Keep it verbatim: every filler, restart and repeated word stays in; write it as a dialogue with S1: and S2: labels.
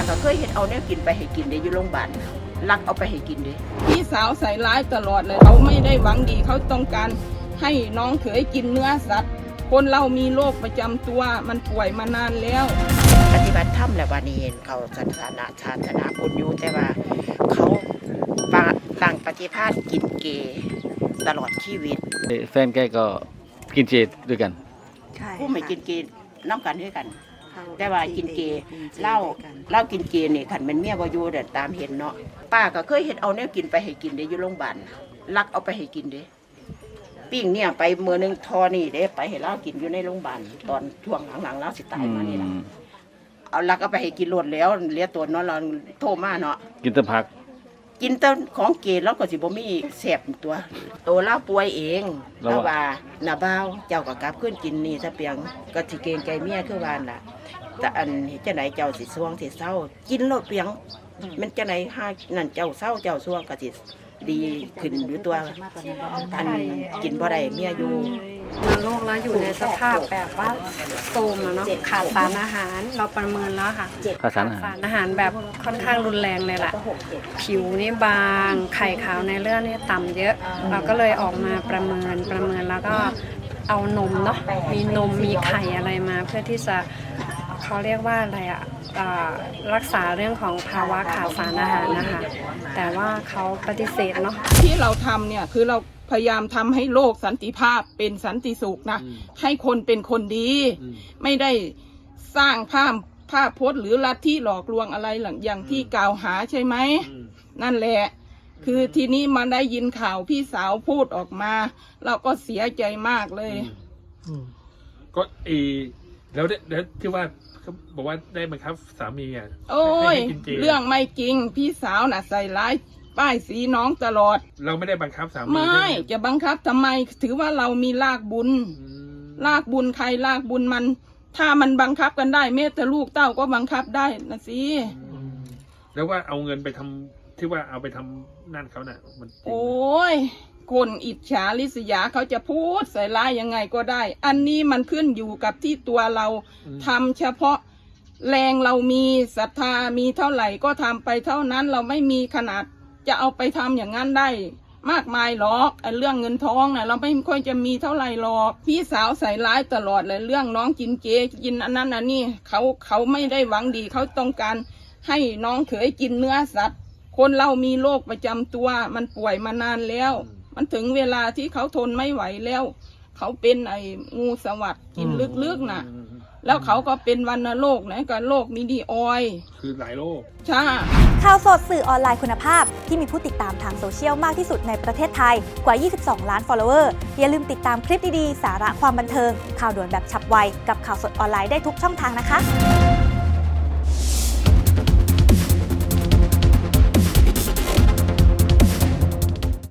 S1: ก็เคยเห็นเอาแนวกินไปให้กินได้อยู่โรงพยาบาลลักเอาไปให้กินเด้
S2: พี่สาวใส่ร้ายตลอดเลยเขาไม่ได้หวังดีเขาต้องการให้น้องเขยกินเนื้อสัตว์คนเรามีโรคประจำตัวมันป่วยมานานแล้ว
S1: ปฏิบัติธรรมแล้ววันนี้เห็นเขาศาสนาชาตินาพุทธอยู่แต่ว่าเขาต่างปฏิภาณกินเกตลอดชีวิต
S3: แฟนแกก็กินเจด้วยกัน
S1: ผู้ไม่กินเกน้ำกันด้วยกันแต่ว่ากินเกเหล้าเหล้ากินเกนี่ขันเป็นเมียบ่อยู่เด็ดตามเห็นเนาะป้าก็เคยเห็นเอาแนวกินไปให้กินได้อยู่โรงพยาบาลลักเอาไปให้กินเด้ปิ้งเนี่ยไปเมื่อนึงทอนี่เด้ไปให้เหล้ากินอยู่ในโรงพยาบาลตอนช่วงหลังๆเหล้าสิตายมานี่แหละเอาลักเอาไปให้กินรวดแล้วเลี้ยตัวเนาะเราโทรมาเนาะ
S3: กินแต่ผัก
S1: กินแต่ของเกศแล้วก็สิบ่มีแสบตัวโตเล่าป่วยเองแล้วว่าหน้าบ้าวเจ้าก็กลับขึ้นกินนี่ถ้าเปียงก็สิเกรงใจเมียคือวานล่ะแต่อันจังได๋เจ้าสิซ่วงสิเศร้ากินโลดเปียงมันจังได๋หานั่นเจ้าเศร้าเจ้าซ่วงก็สิดีขึ้นอยู่ตัวอันกินบ่ได้เมียอยู่
S4: มาโรคแล้วอยู่ในสภาพแบบว่าโทรมแล้วเนาะขาดสารอาหารเราประเมินแล้วค่ะ
S3: ขาดสารอาหาร
S4: สารอาหารแบบค่อนข้างรุนแรงเลยแหละผิวนี่บางไข่ขาวในเลือดนี่ต่ำเยอะเราก็เลยออกมาประเมินประเมินแล้วก็เอานมเนาะมีนมมีไข่อะไรมาเพื่อที่จะเขาเรียกว่าอะไรอะรักษาเรื่องของภาวะขาดสารอาหารนะคะแต่ว่าเขาปฏิเสธเนาะ
S2: ที่เราทำเนี่ยคือเราพยายามทำให้โลกสันติภาพเป็นสันติสุขนะให้คนเป็นคนดีไม่ได้สร้างภาพภาพพจน์หรือลัทธิหลอกลวงอะไรหลังอย่างที่กล่าวหาใช่ไหมนั่นแหละคือทีนี้มาได้ยินข่าวพี่สาวพูดออกมาเราก็เสียใจมากเลย
S5: ก็เอแล้วแล้วที่ว่าเขาบอกว่าได้บังคับสามีอ่ะ
S2: โอ้ยเรื่องไม่จริงพี่สาวน่ะใส่ร้ายป้ายสีน้องตลอด
S5: เราไม่ได้บังคับสามี
S2: ไม่จะบังคับทำไมถือว่าเรามีลากบุญลากบุญใครลากบุญมันถ้ามันบังคับกันได้แม้แต่ลูกเต้าก็บังคับได้นะสิ
S5: แล้วว่าเอาเงินไปทำที่ว่าเอาไปทำนั่นเขาน่ะมัน
S2: โอ้ยคนอิจฉาริษยาเขาจะพูดใส่ร้ายยังไงก็ได้อันนี้มันขึ้นอยู่กับที่ตัวเราทำเฉพาะแรงเรามีศรัทธามีเท่าไหร่ก็ทำไปเท่านั้นเราไม่มีขนาดจะเอาไปทำอย่างนั้นได้มากมายหรอกไอ้เรื่องเงินทองน่ะเราไม่ค่อยจะมีเท่าไหร่หรอกพี่สาวใส่ร้ายตลอดเลยเรื่องน้องกินเจกินอันนั้นอันนี้เขาเขาไม่ได้หวังดีเขาต้องการให้น้องเขยกินเนื้อสัตว์คนเรามีโรคประจำตัวมันป่วยมานานแล้วมันถึงเวลาที่เขาทนไม่ไหวแล้วเขาเป็นไอ้งูสวัสด์กินลึกๆน่ะแล้วเขาก็เป็นวัณโรคนะก็โรคมิดีออย
S5: คือหลายโรค
S2: ใช่
S6: ข่าวสดสื่อออนไลน์คุณภาพที่มีผู้ติดตามทางโซเชียลมากที่สุดในประเทศไทยกว่ายี่สิบสองล้าน follower อย่าลืมติดตามคลิปดีๆสาระความบันเทิงข่าวด่วนแบบฉับไวกับข่าวสดออนไลน์ได้ทุกช่องทางนะคะ